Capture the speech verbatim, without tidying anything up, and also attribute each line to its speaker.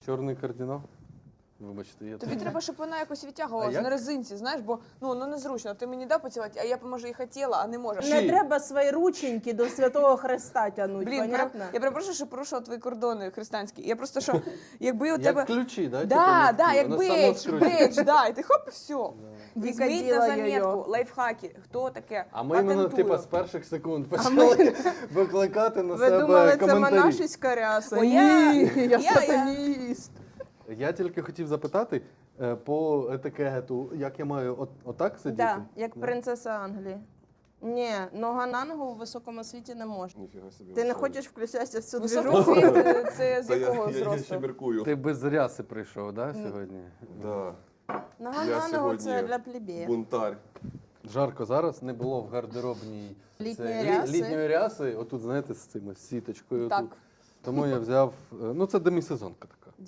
Speaker 1: Чорний кардинал. Вибачте, я
Speaker 2: Тобі
Speaker 1: тут-
Speaker 2: треба, щоб вона якось
Speaker 1: А
Speaker 2: відтягувалася
Speaker 1: як?
Speaker 2: на резинці, знаєш, бо ну, ну незручно. Ти мені дав поцілувати, а я, може, і хотіла, а не можу.
Speaker 1: Чи-
Speaker 3: Не треба свої рученьки до Святого Хреста тягнути,
Speaker 2: Блін,
Speaker 3: понятно?
Speaker 2: пере- я перепрошую, що порушила твої кордони християнські. Я просто що, якби у
Speaker 1: Як
Speaker 2: тебе...
Speaker 1: ключі, да?
Speaker 2: Да,
Speaker 1: типу,
Speaker 2: да,
Speaker 1: легкі,
Speaker 2: як
Speaker 1: воно само
Speaker 2: бейдж,
Speaker 1: скручує.
Speaker 2: бейдж, да, і ти хоп, і все. Візьміть на
Speaker 3: Вікаділа
Speaker 2: заметку,
Speaker 3: йо-йо.
Speaker 2: лайфхаки, хто таке,
Speaker 1: А ми іменно
Speaker 2: патентую.
Speaker 1: типу, з перших секунд почали викликати на
Speaker 3: Ви
Speaker 1: себе
Speaker 3: думали, це
Speaker 1: коментарі.
Speaker 3: монашеська ряса?
Speaker 2: О, я-
Speaker 3: Ні, я,
Speaker 2: я- я-
Speaker 3: сатаніст.
Speaker 1: Я тільки хотів запитати е, по етикету, як я маю от, отак сидіти?
Speaker 3: Да, як
Speaker 1: Да?
Speaker 3: принцеса Англії. Ні, нога на ногу у високому світі не можна.
Speaker 4: Ніфіга собі.
Speaker 3: Ти не
Speaker 4: ви
Speaker 3: хочеш включатися в цю
Speaker 2: Високий
Speaker 3: движуху?
Speaker 2: світ, е, це з
Speaker 4: що? Та я,
Speaker 2: якого
Speaker 4: я, я ще
Speaker 2: зросту?
Speaker 4: міркую.
Speaker 1: Ти без ряси прийшов, да, сьогодні?
Speaker 4: Да.
Speaker 3: Нога
Speaker 4: Я
Speaker 3: на ногу це
Speaker 4: сьогодні
Speaker 3: для плебея.
Speaker 4: Бунтарь.
Speaker 1: Жарко зараз, не було в гардеробній
Speaker 3: Літньої
Speaker 1: це, лі-
Speaker 3: ряси.
Speaker 1: літньої ряси, отут, знаєте, з цими з сіточкою.
Speaker 2: Так.
Speaker 1: Тут. Тому я взяв, е, ну це демісезонка така.